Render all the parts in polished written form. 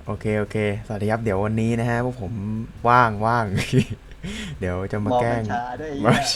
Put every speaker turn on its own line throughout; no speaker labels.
โอเคโอเคสวัสดีครับเดี๋ยววันนี้นะฮะพวกผมว่างเดี๋ยวจะมา
มอง
แกล้ง
กัญชาด้วยไอ้
มา
เหี้ย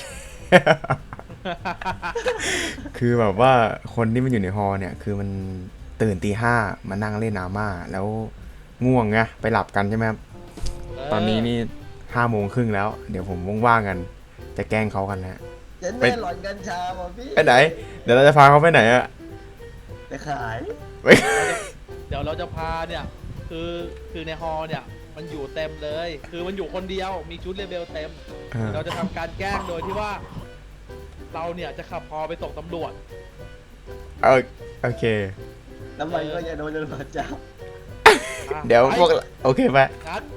คือแบบว่าคนที่มันอยู่ในฮอเนี่ยคือมันตื่นตี 5มานั่งเล่นอาม่าแล้วง่วงไงไปหลับกันใช่ไหมครับ
เอ
ตอนนี้
อ
นี่5 โมงครึ่งแล้วเดี๋ยวผมว่างๆกันจะแกล้งเขากันนะฮะ
เจน
ไป
แม่หลอนกัญชาป่ะพี่
ไปไหนเดี๋ยวเราจะพาเขาไปไหนอะ
ไปขาย
ไป
เดี๋ยวเราจะพาเนี่ยคือคือในฮอเนี่ยมันอยู่เต็มเลย คือมันอยู่คนเดียวมีชุดเลเวลเต็ม เราจะทำการแกล้งโดยที่ว่า เราเนี่ยจะขับฮอไปส่งตำรวจ
เออโอเค
น้ำมันก็จะโดนตำรวจจับ
อ่ะ
เดี๋ยว
ไป
พวกโอเคไป
งัด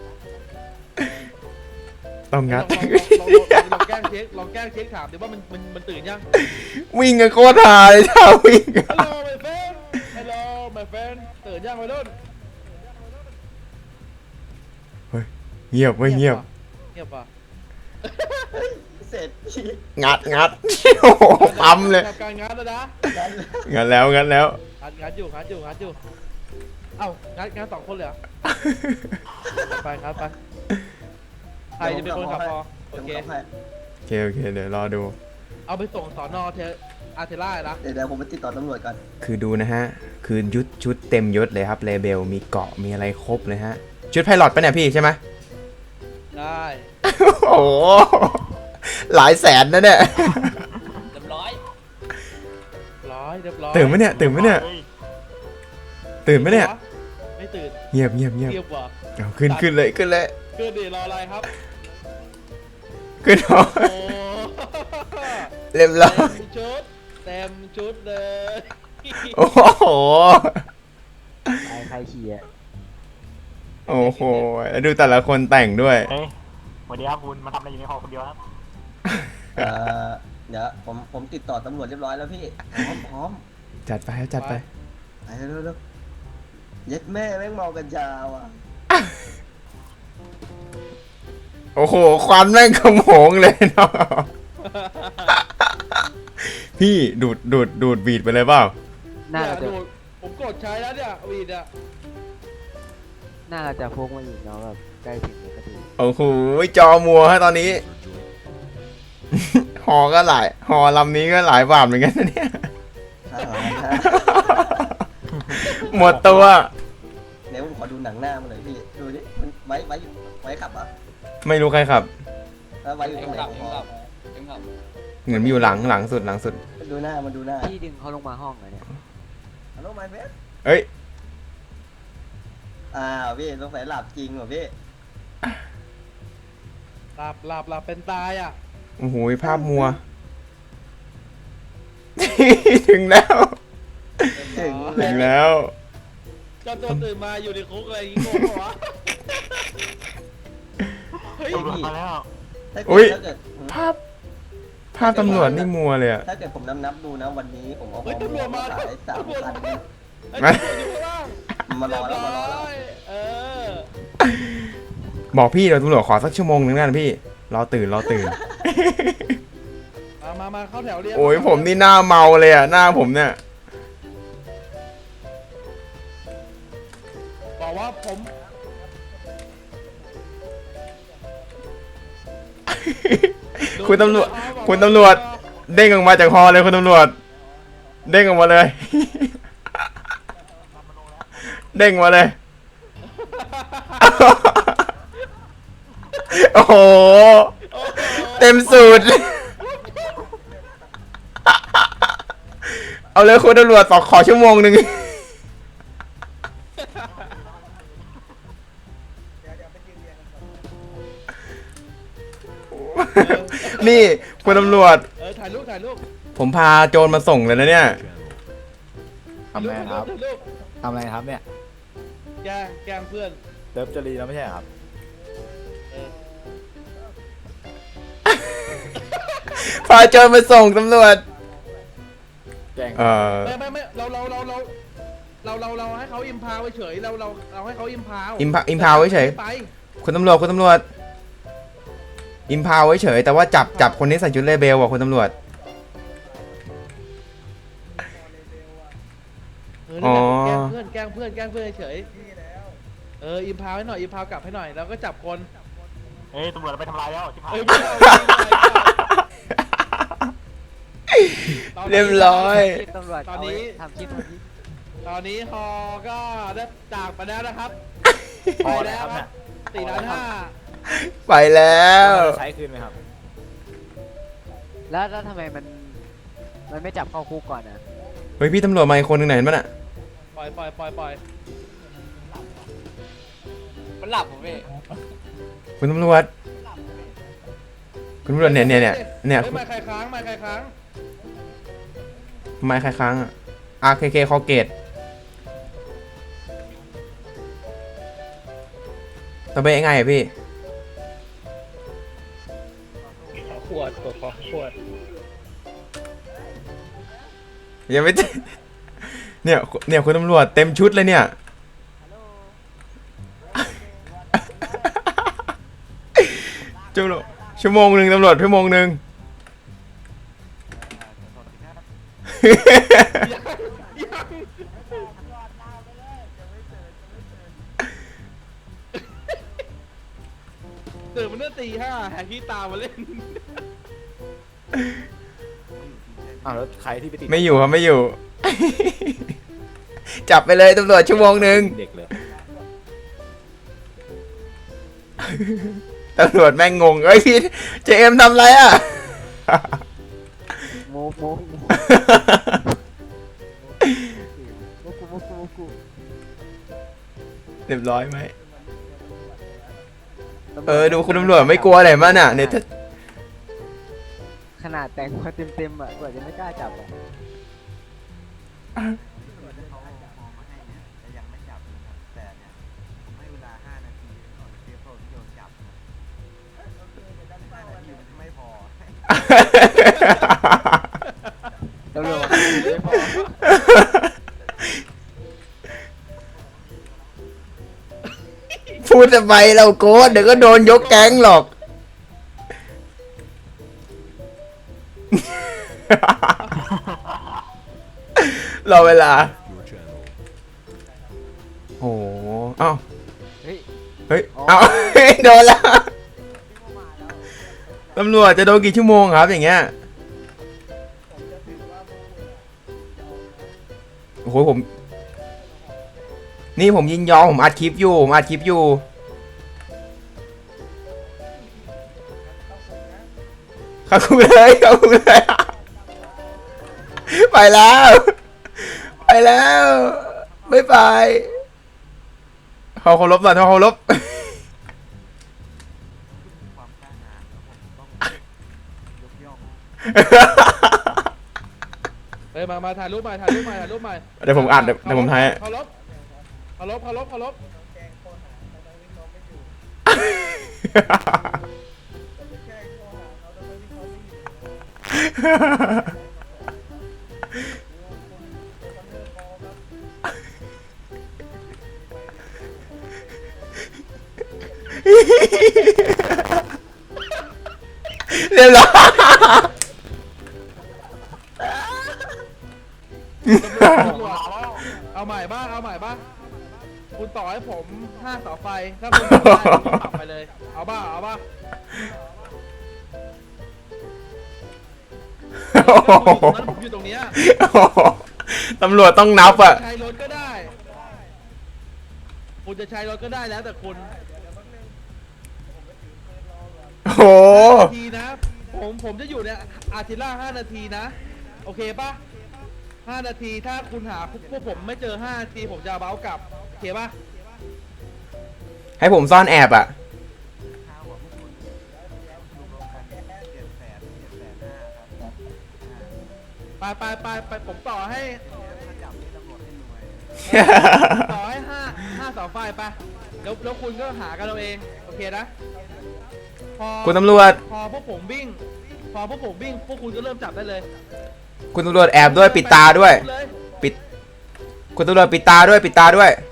ต้องงัด
ลองแกล้งเช็คลองแกล้งเช็คถามดิว่ามันตื่นยัง
วิ่งกันโคตรหาเลยถ้าวิ่งอะ
Hello my friend Hello my friend ตื่นยังวัยรุ่น
เงียบไม่เงียบ
เงียบป่ะ
เสร็จพี่
งัด โอ้โหปั๊มเลย
ทำการงัดแล้วนะ
นั่น
งัดแล้ว
งัดอยู่เอ้างัด2 คนเลยเหรอ ไปครับไปใครจะเป็นคนขับพอโอเค
โอเคเดี๋ยวรอดู
เอาไปส่งสอนออาร์เทล่านะ
เดี๋ยวผมไปติดต่อตำรวจก่อน
คือดูนะฮะ คือชุดเต็มยศเลยครับเลเบลมีเกาะมีอะไรครบเลยฮะ ชุดไพลอตปะเนี่ยพี่ใช่ไหม
ได้
โอ้โหหลายแสนนะเนี่ย
เรียบร้อยเรียบร้อย
ตื่นไหมเนี่ยตื่นไหมเนี่ย
ไม่ตื่น
เงียบ
เงียบว่ะ
เอาขึ้นเลย
คือดิรออะไรครับ
ขึ้นหอ
โอ้
เรียบร้อย
เต็มชุดเลย
โอ้โห
ใครขี่อ่ะ
โอ้โหแล้วดูแต่ละคนแต่งด้วย
เฮ้ยสวัสดีครับคุณมาทำอะไรอยู่ในหอคนเดียวครับ
เอ่เดี๋ยวผมติดต่อตำรวจเรียบร้อยแล้วพี่พร้อม
จัดไปครับจัดไป
ไปเร็วเย็ดแม่แม่งเมากัญชาว่ะ
โอ้โหควันแม่งขโมงเลยเนาะพี่ดูดบีดไปเลยเปล่า
น่า
เนี่ย
จะ
ดูผมกดใช้แล้วเนี่ยวีดอ่ะ
น่าจะพกมาอีกเนาะแบบใกล้ถึงแล้วก็ดี
โอ้โหจอมัวฮะตอนนี้ หอก็หลายหอลำนี้ก็หลายบาทเหมือนกันนะเนี่ย หมดตัว
เดี๋ยวผมขอดูหนังหน้ามันหน่อยพี่ดูดิมันไว้ขับเหรอ่ะ
ไม่รู้ใครขับ
แล้วไว้อยู่ตรงไหนของฮอ
เหมือนมีอยู่หลังสุด
มันดูหน้ามันดูหน้า
พี่ดึงเขาลงมาห้องเหรอเนี่ย
ฮัลโหลไมเบส
เอ้ย
พี่สงสัยหลับจริงเหรอพี่
หลับเป็นตายอ่ะ
โอ้โหภาพมัว ถึงแล้ว
ถึง
ถึงแล้ว
เจ้าตัวตื่นมาอยู่ในคุกอะไรอย่างงี้โง่ปะวะเฮ้ย
ตำรวจมาแล้ว
อุ๊ย
ถ้าเกิด
ภาพตำรวจนี่มัวเลยอะ
ถ้าเกิดผมนับดูนะวันนี้ผมเอา
เฮ้ยตำรวจมา
ขาย3,000
ตำรวจมาไอ้
มา
ตำรวจอยู่ข้างล่าง
มารอแล้วมารอแล้ว
เออ
บอกพี่เดี๋ยวตำรวจขอสักชั่วโมงนึงนะพี่ รอตื่น
มาเข้าแถวเรียง
โอ้ยผมนี่หน้าเมาเลยอะหน้าผมเนี่ย
บอกว่าผม
คุณตำรวจ เด้งออกมาจากฮอเลยคุณตำรวจ เด้งออกมาเลย เด้งมาเลย โอ้โห เต็มสูตร เอาเลยคุณตำรวจขอชั่วโมงหนึ่ง นี่คุณตำรวจ
ถ่ายรูป
ผมพาโจรมาส่งเลยนะเนี่ย
ทำไงครับ
ถ่ายรูป
ทำอะไรครับเนี่ย
แกล้งเพื่อน
เลิฟจรีแล้วไม่ใช่เหรอครับ
พาโจรมาส่งตำรวจ
แกล้ง
ไม่เราให้เขาอิมพาวเฉยเราให้เขาอิมพาว
อิมพาวไว้เฉย
ไป
คุณตำรวจอิมพาวไว้เฉยแต่ว่าจับคนที่ใส่ชุดเลเบลว่ะคุณตำรวจ
แกล้งเพื่อนเฉยอิมพาวให้หน่อยอิมพาวกลับให้หน่อยแล้วก็จับคน
เฮ้ยตำรวจไปทำลายแล้วชิบหาย
ไม่เอาไม่เอา
เรียบร้อย
คลิปตำรวจ
ตอนนี้
ทำคลิป
ตอนนี้ฮอก็ได้จากไปแล้วนะครับ
พอแล้วครับเนี่ย
4,500,000
ไปแล้ว
ใช้คืนไหมครับ
แล้วทำไมมันไม่จับเข้าคุกก่อนนะ
เฮ้ยพี่ตำรวจมาอีกคนหนึงไหนมันอ่ะ
ปล่อย
มันหลับผมพี่
คุณตำรวจคุณตำรวจเนี่ย
เฮ้ยไม่ใครค้าง
ทำไมใครค้างอ่ะ RKK คอเกตต่อไปยังไงอะพี่
ขวดขวด
ยังไม่ เนี่ยคุณตำรวจเต็มชุดเลยเนี่ย ชั่วโมงหนึ่งตำรวจชั่วโมงหนึ่ง
ตื่นมันตั้งตี 5แหกที่ตามมาเล่น
อ้าวแล้วใครที่ไปติด
ไม่อยู่ครับไม่อยู่ จับไปเลยตำรวจชั่วโมงหนึ่ง
เด็กเลย
ตำรวจแม่งงงเอ้ยพี่เจมทำอะไรอ่ะ
โมกู
เรียบร้อยไหมดูคุณตำรวจไม่กลัวอะไรมั้งน่ะเนี่ยถ้า
ขนาดแต่งมาเต็มอ่ะกว่าจะไม่กล้าจับอ่ะ ตำรวจไม่พอ
พูดทำไมเราโกรธเดี๋ยวก็โดนยกแก๊งหรอก รอเวลา โอ้โหเอ้า
เฮ้ย
เฮ้ย เอ้า โดนแล้ว ตำรวจจะโดนกี่ชั่วโมงครับอย่างเงี้ย โอ้โหนี่ผมยินยอมผมอัดคลิปอยู่เข้าคุกเลยไปแล้วบ๊ายบายเขาเคารพหน่อยเขาเคารพ
เฮ้ยมาถ่ายรูปใหม่
เดี๋ยวผมอัดเดี๋ยวผมถ่าย
เคารพ
เรียบร้อย
ตำรวจเอาใหม่บ้างคุณต่อให้ผม5เสาไฟถ้าคุณทำได้คุณปรับไปเลยเอาบ้าผมอยู่ตรงเนี้ย
ตำรวจต้องนับอ่ะ
ใช้รถก็ได้คุณจะใช้รถก็ได้แล้วแต่คุณ
โอ้โห
นาทีนะผมจะอยู่เนี่ยอาทิตย์ละ5 นาทีนะโอเคปะ5 นาทีถ้าคุณหาพวกผมไม่เจอ5 นาทีผมจะเบ้ากลับโอเคปะ
ให้ผมซ่อนแอบอ่ะ
ไปผมต่อให้ต่อให้5เสาไฟไปแล้วคุณก็หากันเราเองโอเคนะพอ
คุณตำรวจ
พอพวกผมวิ่งพวกคุณก็เริ่มจับได้เลย
คุณตำรวจแอบด้วยปิดตาด้วย
เลย
คุณตำรวจปิดตาด้วยปิดตาด้วยนะ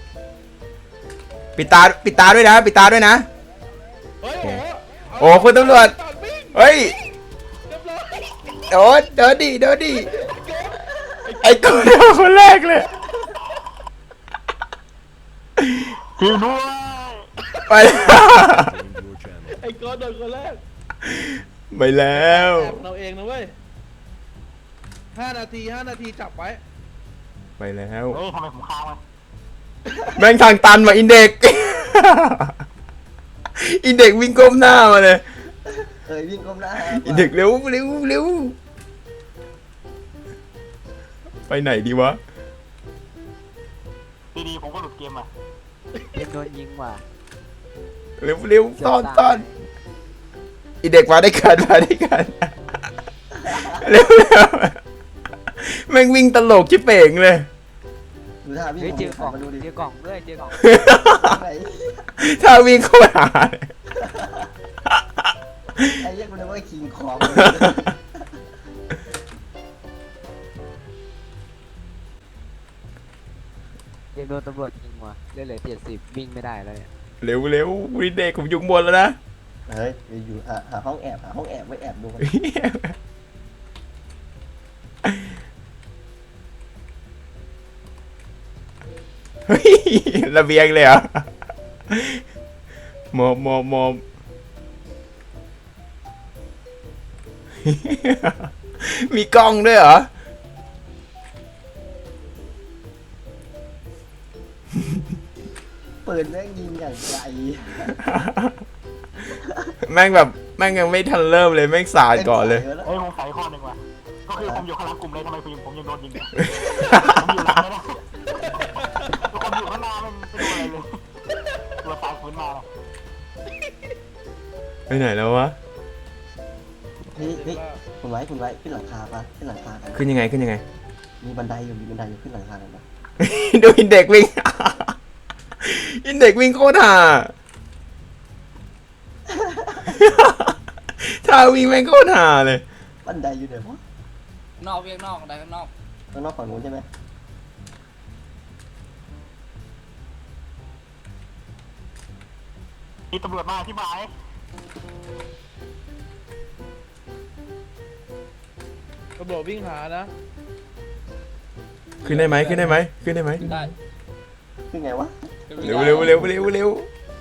เฮ้ย
โอ้คุณตำรวจ
วิ่ง
เฮ้ย
เรียบร้อย
โดนดิไอ้กูโดนคนแรกเลย
ช่วยด้วย
ไปแล้ว
ไอ้ก้อนโดนคนแรก
ไปแล้ว
แอบเราเองนะเว้ย5 นาทีจับไว้
ไปแล้ว
เฮ้ยทำไมผมค้างวะ
แม่งทางตันว่ะอินเด็ก อินเด็กวิ่งก้มหน้ามาเลย
วิ่งก้มหน้า
อินเด็กเร็วเร็วเร็วไปไหนดีวะ
ดีๆผมก็หลุดเกมอ่ะ
เอ็มโดนยิงว่ะ
เร็วเร็ว
เกื
ต
บ
อน
ตาย
ตอนอินเด็กมาได้กันมาได้กันเร็วเร็วแม่งวิ่งตลกชิบเป่งเลย
ดูท่าวิ่ง
เฮ้ยเจอกล่อง
มาดูดิ
เจอกล่องด้วยเจอกล่อง
ไหน
ถ้าวิ่งโคตรหาเลย
ไอ้เรียกมันเลยว่าคิงคอง
เอ็มโดนตำรวจยิงว่ะเลือดเหลือ70วิ่งไม่ได้แล้วเนี่ย
เร็วเร็วอินเด็กผมอยู่ข้างบนแล้วนะ
เฮ้ยอยู่หาห้องแอบไว้แอบดูมัน
เฮ้ยระเบียงเลยเหรอมอบมีกล้องด้วยเหรอ
ปืนแม่งยิงอย่างไกล
แม่งแบบแม่งยังไม่ทันเริ่มเลยแม่งสาดก่อนเลย
เฮ้ยผมใส่ข้อหนึ่งว่ะก็คือผมอยู่ข้างหลังกลุ่มเลยทำไมผมยังโดนยิงเนี่ยผมอยู่หลังไม่ได้ทุกคนอยู่ข้างหน้ามันไม่โดนอะไรเลยตัวตายฟื้นมาเลย
ไปไหนแล้ววะ
เฮ้ยคุณไว้ขึ้นหลังคาปะขึ้นหลังคากัน
ขึ้นยังไงขึ้นยังไง
มีบันไดอยู่ขึ้นหลังคากันปะ
ดูอินเด็กวิ่ง อินเด็กวิ่งโคตรห่า ถ้าวิ่งแม่งโคตรห่าเลย
บันไดอยู่เดี๋ยววะ
นอกเวียงนอกอะไรข้างนอก
ข้างนอกฝั่งนู้นใช่ไหม
มีตำรวจมาที่หมาย
ตำรวจวิ่งหานะ
ขึ้นได้ไหมขึ้นได้ไหมขึ้นได้ไหม
ได้
ขึ้นไงวะ
เร็วเร็วเร็วเร็วเร็ว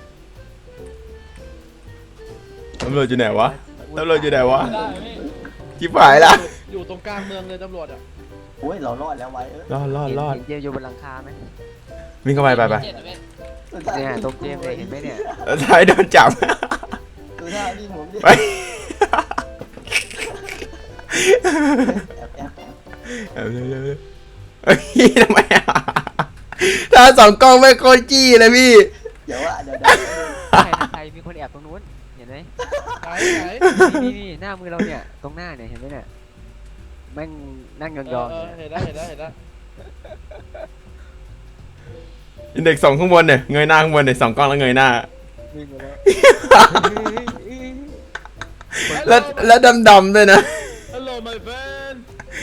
ตำรวจอยู่ไหนวะตำรวจอยู่ไหนวะ
ได้พี่
จิบหายละ
อยู่ตรงกลางเมืองเลยตำรวจอ่ะ
โอ้ยเรารอดแล้วไว้
รอด
เห็นเจมส์อยู่บนหลังคาไหม
วิ่งเข้าไปไป
เจ็ดอะพี่
เนี่ยตรงเจมส์เลยเห็นไหมเนี่ย
แล้วท้ายโดนจับ
ดูท่าวิ่งผมดิ
ไป
แอบ
เอาเร็วเร็วเร็วเฮ้ยทำไมอ่ะถ้าสองกล้องไม่โคตรจี้เลยพี่
เดี๋ยว
ใครมีคนแอบตรงนู้นเห็นไหม
ไหน
นี่หน้ามือเราเนี่ยตรงหน้าเนี่ยเห็นไหมเนี่ยแม่งนั่งยองๆเนี่ย
เห็นแล้ว
อินเด็กสองข้างบนเนี่ยเงยหน้าข้างบนเนี่ยสองกล้องแล้วเงยหน้า
วิ่งมาแล้ว
แล้วดำๆด้วยนะ
ฮัลโหล my friend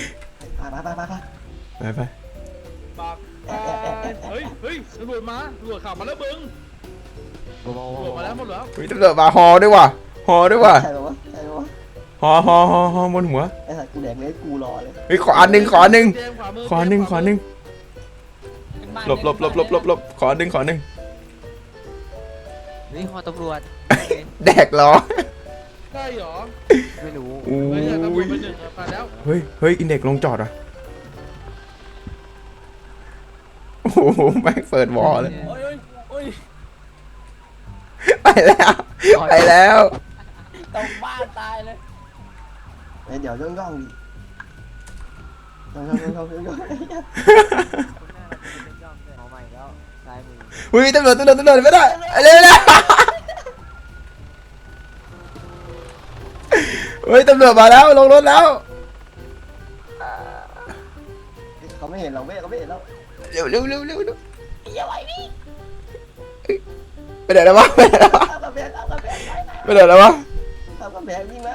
ไป
ไป
ปากเฮ้ยตำรวจมาตำรวจขับมาแล้วมึง
โอ้โห
ตำรวจมาแล้วหมดแล้ว
เฮ้ยตำรวจมาฮอด้วยว่ะฮอด้วยว่ะ
ใช่ปะวะ
ฮอบนหัว
ไอ้สัตว์กูแดกเลยกูรอเลย
เฮ้ยขออันหนึ่งขออันหนึ่ง
เจมส์ขวามือ
ขออันหนึ่งขออันหนึ่งหลบขออันหนึ่งขออันหนึ่ง
นี่ฮอตำรวจ
แดกล้อ
ใช่เหรอ
ไม่รู้
โอ้
เฮ้ยตำรวจ
ย
ไปหนึ่งผ่านแล้ว
เฮ้ยอินเด็กลงจอดอ่ะโอ้โหแม่งเปิดวอลเลย
โอ้ยโอ้ย
ไปแล้ว
ตกบ้านตายเลย
เดี๋ยวย่องดิย่อง
คุณหน้าเราเป็นย่องเลยหอใหม่แล้วซ้ายมือ
อุ้ยตำรวจไม่ได้เร็วเฮ้ยตำรวจมาแล้วลงรถแล้ว
เขาไม่เห็นเราเขาไม่เห็นเรา
เร็วไปไหนแล้ววะไปไหนแล้ววะ
เอากระแพง
ไปไหนแล้ววะ
เอากระแพงวิ่งมา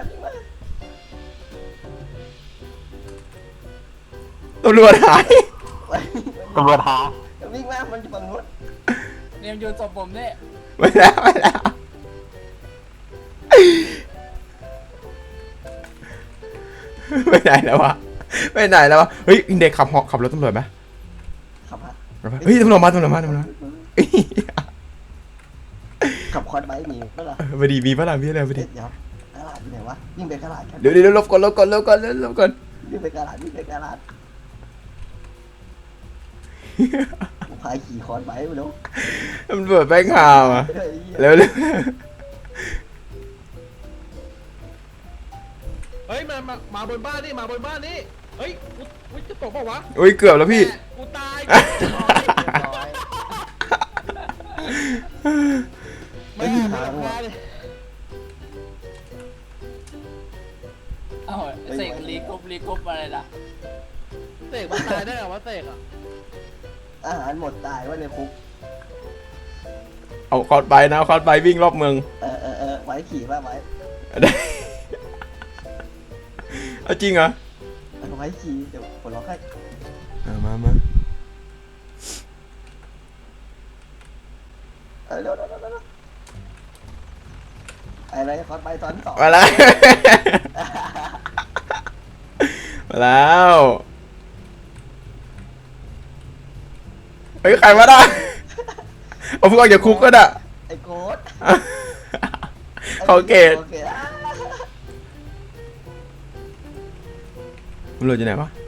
ตำรวจหาย
ตำรวจหา
วิ่งมามันอยู่ฝั่งนู้น
เนี่ยโยนศพผมเนี่ย
ไปแล้วไปไหนแล้ววะเฮ้ยอินเด็กขับรถตำรวจไหม
ขับมา
เฮ้ยตำรวจมา
เขับคอนไบค์หนีก็ล่ะ
พอดีมีพระรามพี่อะไรพอดี
เดี๋ยวกระดาษอยู่ไหนวะวิ่งไปกระดาษกัน
เดี๋ยวลบก่อนลบก่อน
วิ่งไปกระดาษวิ่งไปกระดาษกูพายขี่คอนไบค์ไปแล้ว
มันเปิดแบงค์ข่าวอ่ะ
เฮ้ย
เร็ว
เฮ้ยมาบนบ้านนี่มาบนบ้านนี่เฮ้ยกูจะตกเปล่าวะ
อุ้ยเกือบแล้วพี่
แม่กูตาย
เรียบร้อย
ไม่หาพาเลย
เอ้าเสกรีกรุ๊ปอะไรล่ะ
เสกมันตายได้เหรอวะเสกอ่ะ
อาหารหมดตายว่าในคุก
เอาคอร์ดไปนะคอร์ดไปวิ่งรอบเมือง
ไว้ขี่ว่าไว้
ได้เอาจริงเหรอ
ไว้ขี่เดี๋ยวผลล็อกให้
มา
เร็วอะไรคอนไบค์ตอนสอง
มาแล้ว มาแล้วเฮ้ยใครมาได้เอาพวกออกจากคุกก็ได้
ไอ้โค้ด
เขาเกตตำรวจอยู่ไหนวะ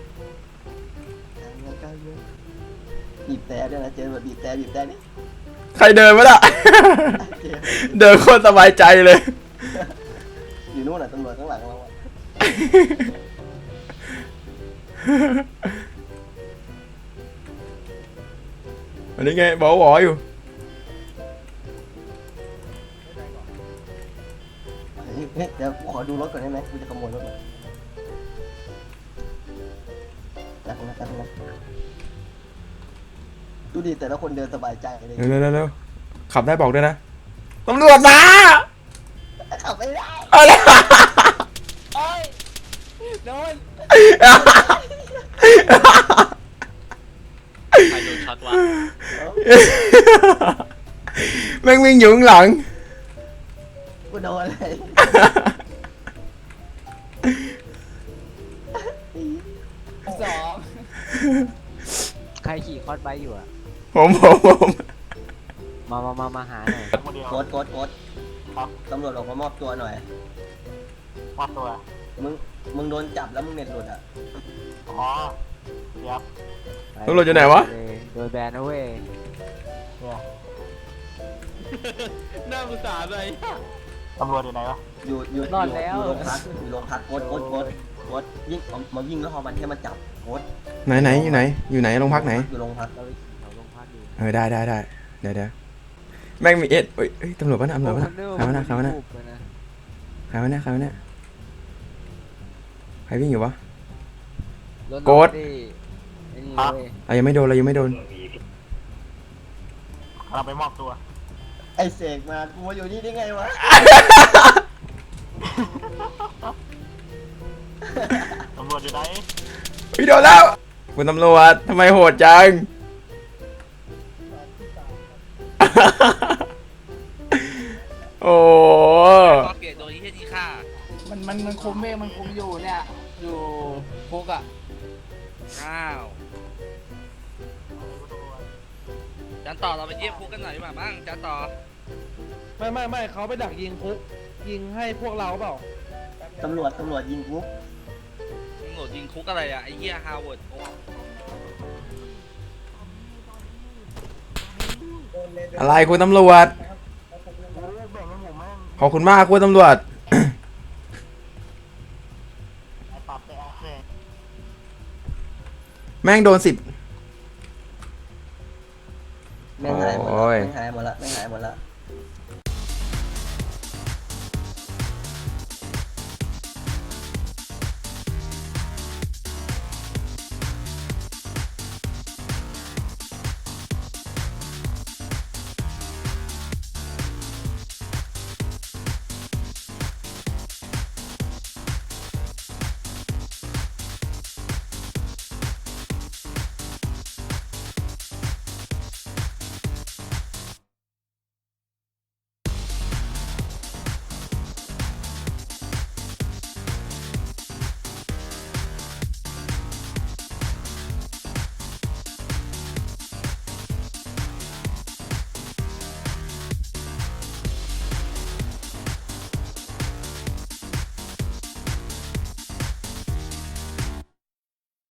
บีบแต่ด้วยนะเจอแบบบีบแต่นี่
ใครเดินมาล่ะ เดินโคตรสบายใจเลย
อยู่นู่นน่ะตำรวจข้างหลังเราอะ
อันนี้ไงบอกหวออยู่
เฮ้ยเดี๋ยวกูขอดูรถก่อนได้ไหมกูจะขโมยรถก่อนจับนะดูดิแต่ละคนเดินสบายใจเลย
เร็วขับได้บอกด้วยนะตำรวจมา
ขับไม่ได้
เอาเลย
โอ้ยโดน
ใครโดนช็อตวะ
แม่งวิ่งอยู่ข้างหลัง
กูโดนเลย
สอง
ใครขี่คอร์สไบค์อยู่อะ
ผม
มาหาหน่อย
คนเดียว
โกด
ครับ
ตำรวจบอกมามอบตัวหน่อย
มอบตัว
มึงโดนจับแล้วมึงเน็ตหลุดอ่ะ
อ๋อเดี๋ยว
ตำรวจอยู่ไหนวะ
โดนแบนนะเว้ย
เนี่ย
น่าสงสารเลย
ตำรวจอยู่ไหนวะ
อยู่โรงพักโกดวิ่งมาวิ่งแล้วพอมันแค่มาจับโกด
ไหนอยู่ไหนโรงพักไหน
อยู่โรงพัก
เราไปขี่แถวโรงพักอยู่
ได้เดี๋ยวแม่งมีเอ็ดเอ้ยตำรวจปะนะใครวะนะใครวิ่งอยู่วะ โกรธ
ไอ้นี่เว้ย
เรายังไม่โดน
เราไปมอบตัว
ไอ้เสกมากูมาอยู่นี่ได้ไงวะ
ตำรวจอยู่ไหน
พี่โดนแล้วคุณตำรวจทำไมโหดจัง โอ้
ก็เกลียดโดนที่ที่ฆ่า
มันคุมเองมันคุมอยู่เนี่ย อยู่คุกอ่ะ
อ้าวจันต่อเราไปเยี่ยมคุกกันหน่อยดีกว่ามั้งจันต่อ
ไม่เขาไปดักยิงคุกยิงให้พวกเราเปล่า
ตำรวจยิงกู
มึงโหลดยิงคุกอะไรอะไอ้เหี้ยฮาวเวิร์ดโอ้
อะไรคุณตำรวจ
แบ่งให้ผมแม่ง
ขอบคุณมากคุณตำรวจ
ไอ้ปรับไปแอคเลย
แม่งโดน10
แม่งหายหมด
โอ้ย
ละแม่งหายหมดละ